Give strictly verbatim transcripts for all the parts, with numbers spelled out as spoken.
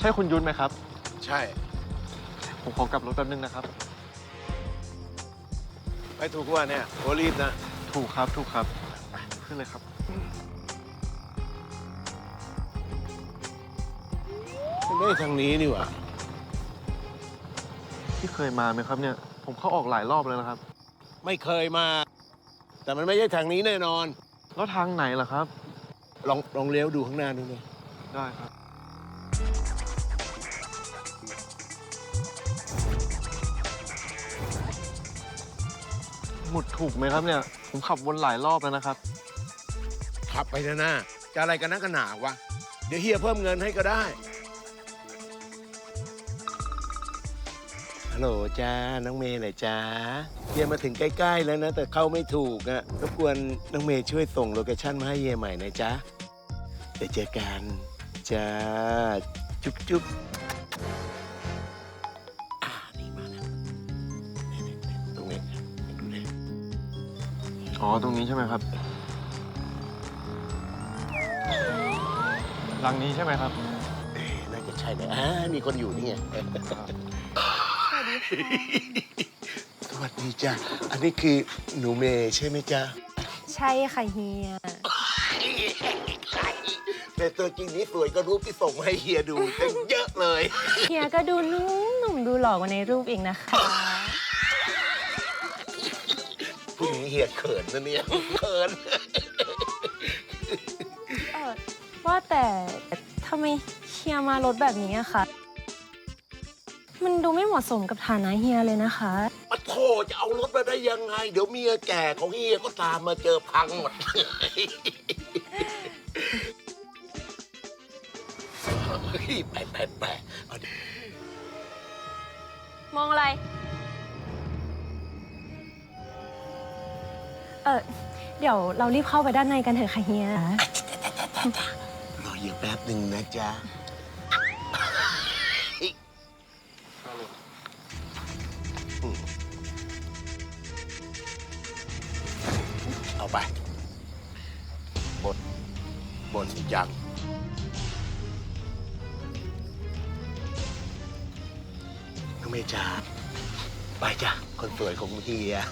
ใช่คุณยุ้นไหมครับใช่ผมขอกลับรถแป๊บนึงนะครับไปถูกว่าเนี่ยโอรีบนะถูกครับถูกครับขึ้นเลยครับไม่ได้ทางนี้นี่หว่าที่เคยมาไหมครับเนี่ย ผมเข้าออกหลายรอบแล้วนะครับไม่เคยมา แต่มันไม่ใช่ทางนี้แน่นอนแล้วทางไหนล่ะครับลองลองเลี้ยวดูข้างหน้าดูหน่อยได้ครับ หมุดถูกไหมครับเนี่ย ผมขับวนหลายรอบแล้วนะครับขับไปนะหน้าจะอะไรกันนักกันหนาวะ เดี๋ยวเฮียเพิ่มเงินให้ก็ได้ ฮัลโหลจ้า น้องเมย์หน่อยจ้าเฮียมาถึงใกล้ๆแล้วนะ แต่เข้าไม่ถูกอะรบกวนน้องเมย์ช่วยส่งโลเคชั่นมาให้เฮียใหม่หน่อยจ้าเดี๋ยวเจอกันจ้า จุ๊บจุ๊บอ่านี่มาแล้วนี่ๆๆตรงนี้ดูเลยอ๋อ ตรงนี้ใช่ไหมครับหลังนี้ใช่ไหมครับเอ๊ะน่าจะใช่เลยอ่ามีคนอยู่นี่ไง สวัสดีจ้ะ อันนี้คือหนูเมย์ใช่ไหมจ๊ะใช่ค่ะเฮียแต่ตัวจริงนี้สวยก็รูปที่ส่งมาให้เฮียดูตั้งเยอะเลยเฮียก็ดูนุ่มหนุ่มดูหล่อกว่าในรูปอีกนะคะผู้หญิงเฮียเขินนะเนี่ย เขินเออว่าแต่ทำไมเฮียมารถแบบนี้อะคะมันดูไม่เหมาะสมกับฐานะเฮียเลยนะคะมาโทษจะเอารถมาได้ยังไง เดี๋ยวเมียแก่ของเฮียก็ตามมาเจอพังหมด เฮ้ยไปไปไปเอาดิมองอะไร เออเดี๋ยวเรารีบเข้าไปด้านในกันเถอะค่ะเฮียรอเฮียแป๊บหนึ่งนะจ๊ะ เอาไปบนบนยังน้องเมย์จ๋าไปจ้ะ คนสวยของเฮีย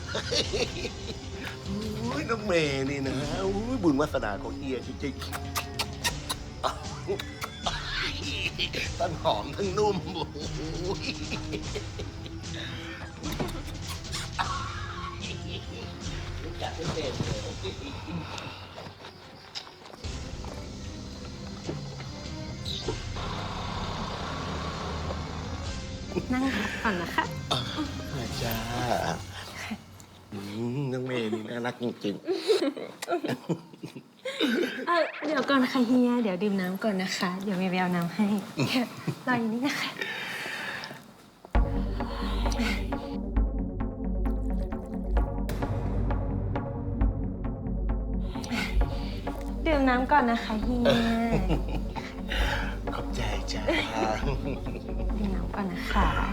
อุ้ยน้องเมย์นี่นะอุ้ยบุญวาสนาของเฮียจริงๆทั้งหอมทั้งนุ่มโอ้ยรู้จักไม่เป็นเลยนั่งพักก่อนนะคะมาจ้าอืมน้องเมย์นี่น่ารักจริงเออเดี๋ยวก่อนค่ะเฮีย เดี๋ยวดื่มน้ำก่อนนะคะ เดี๋ยวเมย์ไปเอาน้ำให้รออยู่นี่นะคะ ดื่มน้ำก่อนนะคะเฮียๆ ขอบใจจ้าดื่มน้ำก่อนนะคะ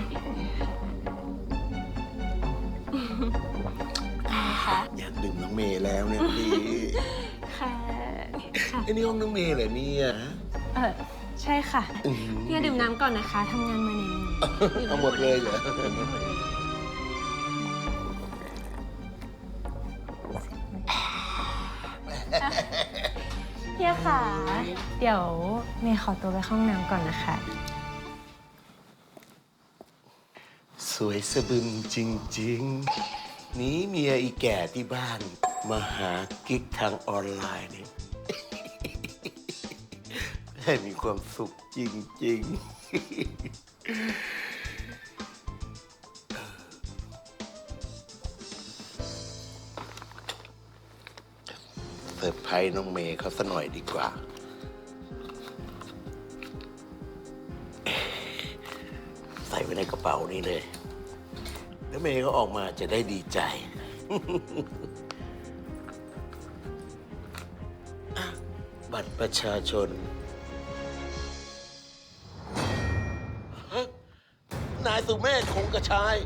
ค่ะอยากดื่มน้องเมย์แล้วเนี่ยพี่ค่ะค่ะไอ้นี่ห้องน้องเมย์เหรอเนี่ยเออใช่ค่ะอื้อหือเฮียดื่มน้ำก่อนนะคะทำงานมาเหนื่อยๆเอาหมดเลยเหรอเฮียค่ะ เดี๋ยวเมย์ขอตัวไปเข้าห้องน้ำก่อนนะคะสวยสะบึมจริงๆหนีเมียอีแก่ที่บ้าน มาหากิ๊กทางออนไลน์นี่ ให้มีความสุขจริงๆ เซอร์ไพรส์น้องเมย์เขาซะหน่อยดีกว่า ใส่ไว้ในกระเป๋านี่เลย แล้วเมย์ก็ออกมาจะได้ดีใจ อ่ะบัตรประชาชนฮะนายสุเมธคงกระชาย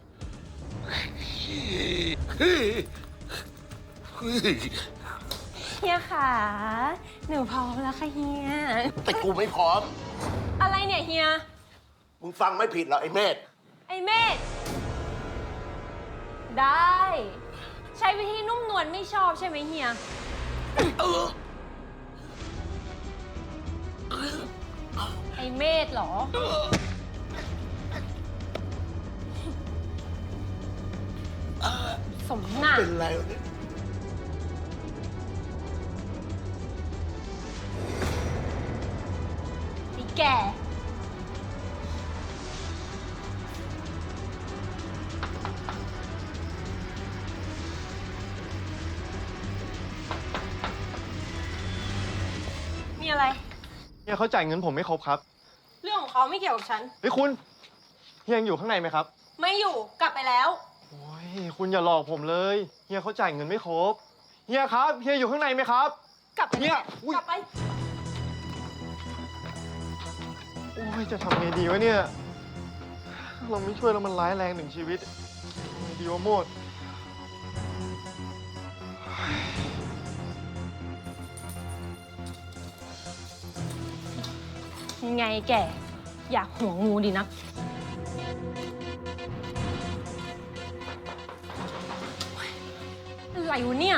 เฮ้ยเฮ้ยเฮียค่ะหนูพร้อมแล้วค่ะเฮียแต่กูไม่พร้อมอะไรเนี่ยเฮียมึงฟังไม่ผิดหรอกไอ้เมธไอเมธได้ ใช้วิธีนุ่มนวลไม่ชอบใช่ไหมเฮียเออไอเมธเหรอ สมหน้าเป็นไรวะเนี่ยไอแก่ มีอะไรเฮียเขาจ่ายเงินผมไม่ครบครับเรื่องของเขาไม่เกี่ยวกับฉันเฮ้ยคุณเฮียยังอยู่ข้างในไหมครับไม่อยู่กลับไปแล้วโอ้ยคุณอย่าหลอกผมเลยเฮียเขาจ่ายเงินไม่ครบเฮียครับเฮียอยู่ข้างในไหมครับกลับไปเฮียอุ๊ยกลับไปโอ้ยจะทำไงดีวะเนี่ยเราไม่ช่วยแล้วมันร้ายแรงหนึ่งชีวิตทำไงดีวะโมดไงแก่ อยากหัวงูดีนัก อะไรวะเนี่ย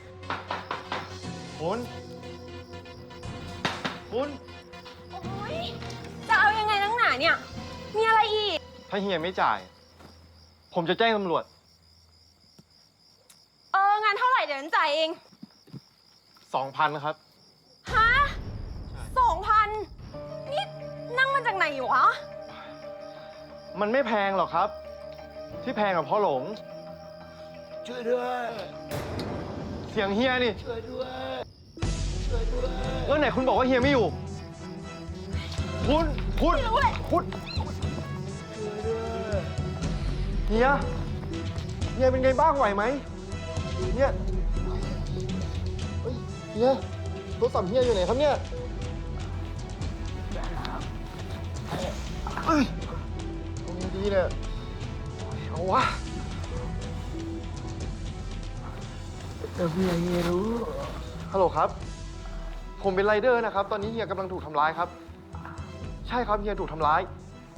คุณคุณโอ๊ย จะเอายังไงนักหนาเนี่ย มีอะไรอีกถ้าเฮียไม่จ่าย ผมจะแจ้งตำรวจเอองานเท่าไหร่เดี๋ยวฉันจ่ายเองสองพันครับฮะสองพันนี่นั่งมาจากไหนอยู่วะมันไม่แพงหรอกครับ ที่แพงกับพ่อหลงช่วยด้วยเสียงเฮียนี่ช่วยด้วย ช่วยด้วยแล้วไหนคุณบอกว่าเฮียไม่อยู่ คุณ คุณไม่รู้เลยคุณช่วยด้วยเฮีย เฮียเป็นไงบ้างไหวไหมเฮียเฮ้ยเฮียโทรศัพท์เฮียอยู่ไหนครับเนี่ยเอ้ยเอาไงดีเนี่ยเอาวะแต่เฮียเฮียรู้ฮัลโหลครับ ผมเป็นไรเดอร์นะครับ ตอนนี้เฮียกำลังถูกทำร้ายครับ ใช่ครับเฮียถูกทำร้าย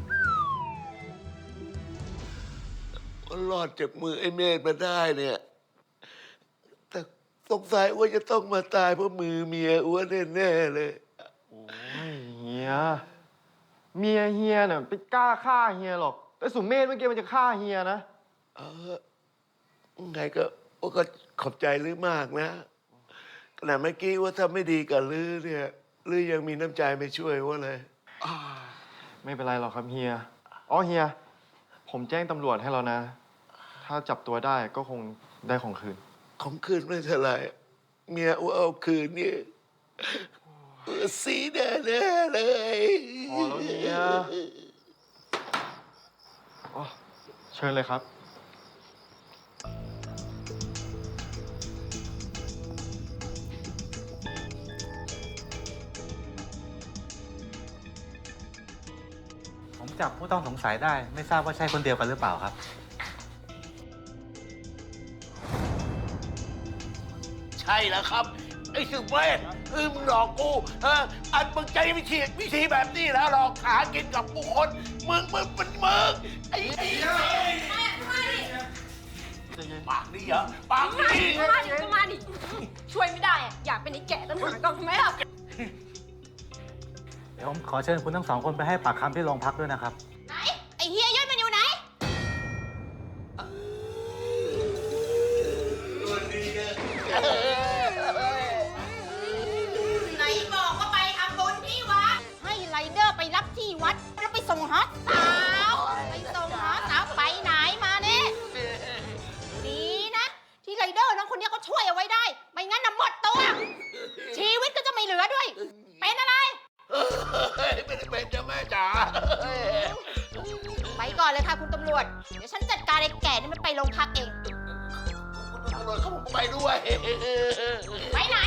ว่ารอดจากมือไอ้เมธมาได้เนี่ย แต่สงสัยว่าจะต้องมาตายเพราะมือเมียอ้วนแน่ๆเลยโอ้ยเฮีย เมียเฮียเนี่ยไปกล้าฆ่าเฮียหรอก แต่สุเมธเมื่อกี้มันจะฆ่าเฮียนะเออไงก็โอ้ก็ขอบใจลือมากนะขณะเมื่อกี้ว่าถ้าไม่ดีกับลือเนี่ยลือยังมีน้ำใจไม่ช่วยว่าเลยอ่าไม่เป็นไรหรอกครับเฮีย อ๋อเฮีย ผมแจ้งตำรวจให้แล้วนะ ถ้าจับตัวได้ก็คงได้ของคืนของคืนไม่เท่าไหร่เมียอ้วเอาคืนนี่สีแน่ๆเลยพอแล้วเฮีย อ๋อ เชิญเลยครับผมจับผู้ต้องสงสัยได้ไม่ทราบว่าใช่คนเดียวกันหรือเปล่าครับใช่แล้วครับ ไอ้สุเมธเออมึงหลอกกูเอออันมึงใจวิธีวิธีแบบนี้แล้วหลอกหากินกับผู้คนมึงมึงมันมึงไอ้ไอ้ปากนี่เหรอปากมานี่ดิมาดิก็มาดิ ช่วยไม่ได้อะอยากเป็นไอ้แก่ตั้งหากก็ทำไมล่ะเดี๋ยวผมขอเชิญคุณทั้งสองคนไปให้ปากคำที่โรงพักด้วยนะครับไหน ไอ้เฮียยศมันอยู่ไหนไหนบอกว่าไปทำบุญที่วัด ให้ไรเดอร์ไปรับที่วัด แล้วไปส่งฮอสสาว ไปส่งฮอสสาวไปไหนมาเนี่ยดีนะ ที่ไรเดอร์น้องคนนี้เขาช่วยเอาไว้ได้ ไม่งั้นน่ะหมดตัว ชีวิตก็จะไม่เหลือด้วย เป็นอะไรเฮ้ยไม่ได้เป็นจ้าแม่จ๋าไปก่อนเลยค่ะคุณตำรวจ เดี๋ยวฉันจัดการไอ้แก่นี่มันไปโรงพักเองคุณตำรวจเขาบอกไปด้วยไปไหน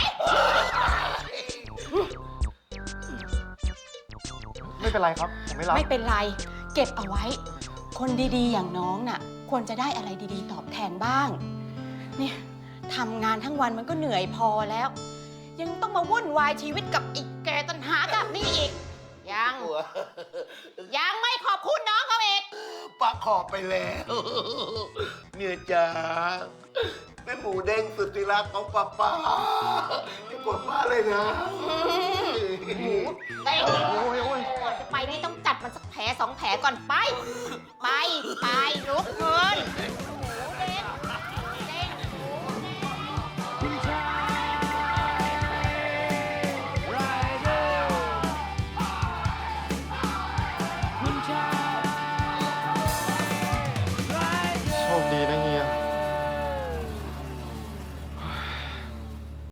ไม่เป็นไรครับ ผมไม่รับไม่เป็นไร เก็บเอาไว้ คนดีๆ อย่างน้องน่ะ ควรจะได้อะไรดีๆ ตอบแทนบ้าง เนี่ยทำงานทั้งวันมันก็เหนื่อยพอแล้วยังต้องมาวุ่นวายชีวิตกับอีกแกตันหากับนี่อีก ยัง ยังไม่ขอบคุณน้องเขาอีกป้าขอบไปแล้วเมียจ๋าแม่หมูเด้งสุดที่รักของป้าป้าที่กดป้าเลยนะเต้นโอ้ยโอ้ยก่อนจะไปนี่ต้องจัดมันสักแผลสองแผลก่อนไป ไป ไปลุกเงิน